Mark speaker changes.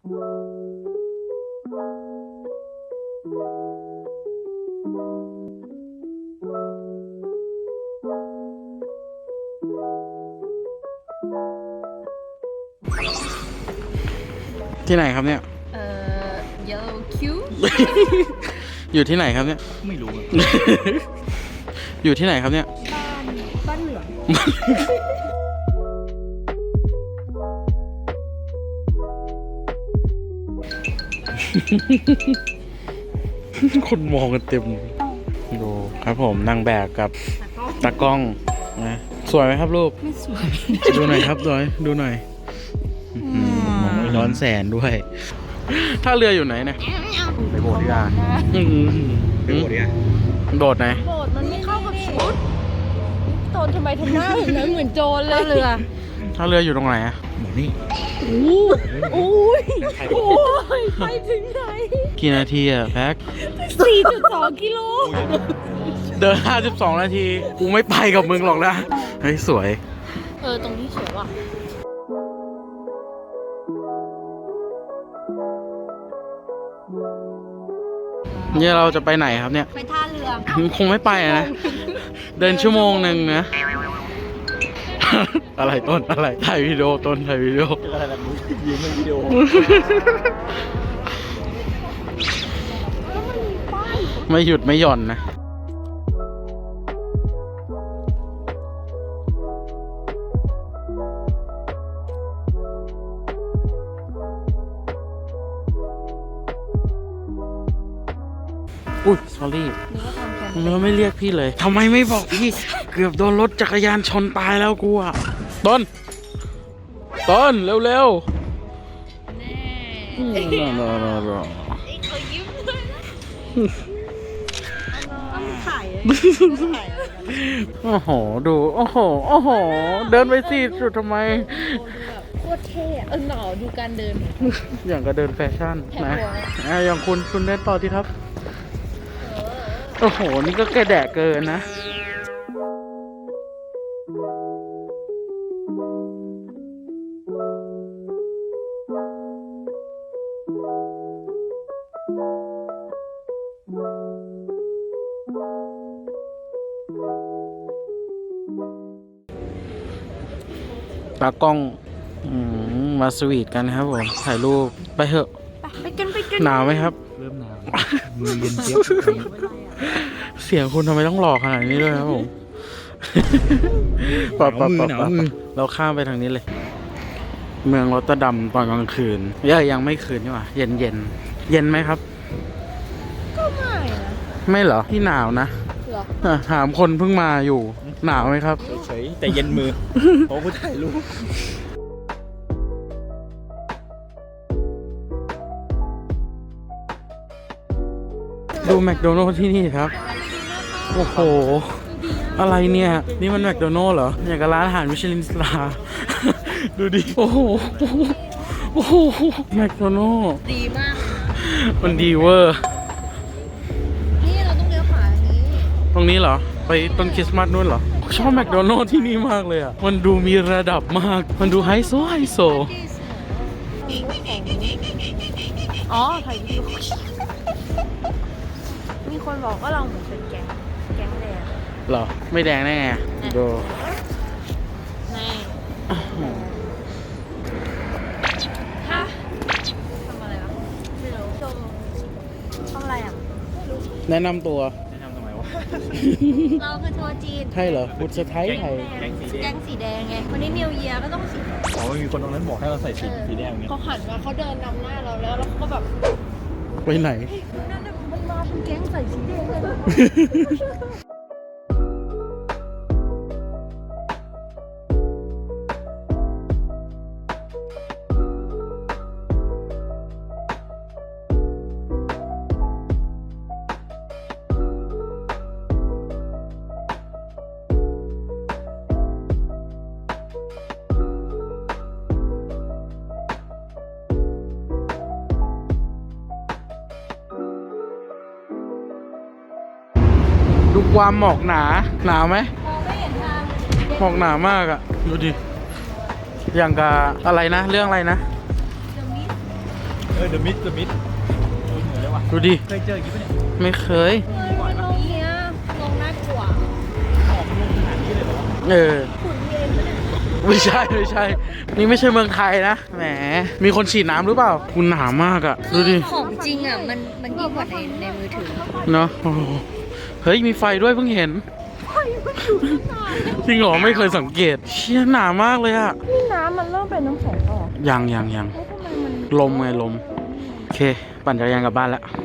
Speaker 1: ที่ไหนครับเนี่ย
Speaker 2: Yellow Q
Speaker 1: อยู่ที่ไหนครับเนี่ย
Speaker 3: ไม่รู้
Speaker 1: อยู่ที่ไหนครับเนี่ย
Speaker 2: บ้านเหลือง
Speaker 1: คนมองกันเต็มดูครับผมนางแบบกับตากล้องนะสวยไหมครับรูป
Speaker 2: ไม่สวย
Speaker 1: ดูหน่อยครับดูหน่อยมองร้อนแสนด้วยท่าเรืออยู่ไหนเนี่ยไปโบสถ์ดีกว่าไปโบสถ์ดีกว่าโบสถ์ไหน
Speaker 2: โบสถ์มันไม่เข้ากับชุดโจรทำไมทำหน้าแบบนั้นเหมือนโจรเลยเรือ
Speaker 1: ท่าเรืออยู่ตรงไหนอะ
Speaker 3: หมอนี่
Speaker 2: โอ้ยไปถึงไหน
Speaker 1: กี่นาทีอะแพ็ค
Speaker 2: 4.2 กิโล
Speaker 1: เดิน52 นาทีกูไม่ไปกับมึงหรอกนะเฮ้ยสวย
Speaker 2: ตรงนี้สวยว่ะ
Speaker 1: เนี่ยเราจะไปไหนครับเนี่ย
Speaker 2: ไปท่าเรือ
Speaker 1: คงไม่ไปอะนะ เดินชั่วโมงหนึ่งนะ อะไรต้นอะไรถ่ายวิดีโอต้นถ่ายวิดีโอ
Speaker 3: อะไรแบบนี้ยืมในวิดีโอ
Speaker 1: ไม่หยุดไม่หย่อนนะอุ้ย sorry เนื้อไม่เรียกพี่เลยทำไมไม่บอกพี่ เกือบโดนรถจักรยานชนตายแล้วกูอ่ะต้นเร็วๆ
Speaker 2: เขายิ้มเลยต้องถ่ายเลย
Speaker 1: โอ้โห ดู โอ้โห เดินไปสิสุดทำไม
Speaker 2: โคตรเท่อะหนาวดูการเดิน
Speaker 1: อย่างก็เดินแฟชั่น
Speaker 2: แถม
Speaker 1: นะ
Speaker 2: หัว
Speaker 1: อย่างคุณเดินต่อที่ครับ โอ้โห นี่ก็แกแดกเกินนะ ตากล้องมาสวีทกันครับผม ถ่ายรูป ไปเถอะ
Speaker 2: ไปกัน
Speaker 1: หนาวไหมครับ
Speaker 3: เริ่มหนาวมือเย็นเจี๊ยบ
Speaker 1: เสียงคุณทำไมต้องหล่อขนาดนี้ด้วยครับผม
Speaker 3: หนาวมือ
Speaker 1: เราข้ามไปทางนี้เลย เมืองรอตเตอร์ดัมตอนกลางคืนยังไม่คืนนี่หว่าเย็นไหมครับ
Speaker 2: ก็ไม่นะ
Speaker 1: ไม่เหรอที่หนาวนะ
Speaker 2: เหรอ
Speaker 1: ถามคนเพิ่งมาอยู่ หนาวไหมครับ
Speaker 3: เฉยๆแต่เย็นมือเพราะกูถ่ายรูป
Speaker 1: ดูแมคโดนัลด์ที่นี่ครับ โอ้โห อะไรเนี่ย นี่มันแมคโดนัลด์เหรอ อย่างกับร้านอาหารมิชลินสตาร์ ดูดิ โอ้โหแมคโดนัลด์
Speaker 2: ดีมาก
Speaker 1: มันดีเวอร์
Speaker 2: นี่เราต้องเลี้ยวขวาอันนี้
Speaker 1: ตรงนี้เหรอ ไปต้นคริสต์มาสนู่นเหรอ ชอบแมคโดนัลด์ที่นี่มากเลยอ่ะ มันดูมีระดับมาก มันดูไฮโซ
Speaker 2: อ๋อถ่ายวิดีโอมีคนบอกว่าเราเหมือนเป็นแก๊งแดง
Speaker 1: เหรอ ไม่แดงแน่ไงดู
Speaker 2: นี่ฮะทำอะไรวะไม่รู้ชมทำอะไรอ่ะ
Speaker 1: แนะนำตัว
Speaker 3: แนะนำทำไมวะ
Speaker 2: เราคือทัวร์จีน
Speaker 1: ใช่เหรอบุตรสะไทยไทย
Speaker 2: แก๊งสีแดงไงวันนี้นิวเยียก็ต้องสีแดง
Speaker 3: อ๋อมีคนตรงนั้นบอกให้เราใส่สีแดงเนี่ย
Speaker 2: เขาหันมาเขาเดินนำหน้าเราแล้วเขาก็แบบ
Speaker 1: ไปไหน
Speaker 2: นั่นน่ะมันมาเป็นแก๊งใส่สีแดงเลยนะ
Speaker 1: ดูความหมอกหนาไหม
Speaker 2: มองไม่เห็นทาง
Speaker 1: หมอกหนามากอ่ะ ดูดิ อย่างกับอะไรนะ เรื่องอะไรนะ
Speaker 2: เดี๋ยวนี้
Speaker 3: เดอะมิดเหมือนเลยว่ะ
Speaker 1: ดูดิ
Speaker 3: เคยเจออย่างนี้ปะเนี่ย
Speaker 1: ไม่เคย
Speaker 2: ลงเนี้ยลงน่ากลัว
Speaker 3: ออกลงขนาดนี้เลยเหรอวะ
Speaker 1: เออ
Speaker 2: ขุนเย็นปะเนี่ย
Speaker 1: ไม่ใช่ นี่ไม่ใช่เมืองไทยนะ แหม มีคนฉีดน้ำหรือเปล่า คุณหนามากอะดูดิ
Speaker 2: ของจริงอ่ะมันยิ่งกว่าในมือถือ
Speaker 1: เนาะโอ้โหเฮ้ย มีไฟด้วยเพิ่งเห็น จริงเหรอไม่เคยสังเกต เชี่ยหนามากเลยอะ
Speaker 2: นี่น้ำมันเริ่มเป็นน้ำแข็งออก
Speaker 1: ยัง
Speaker 2: แล้วทำไมมัน
Speaker 1: ลมไงลม โอเค ปั่นจักรยานกลับบ้านแล้ว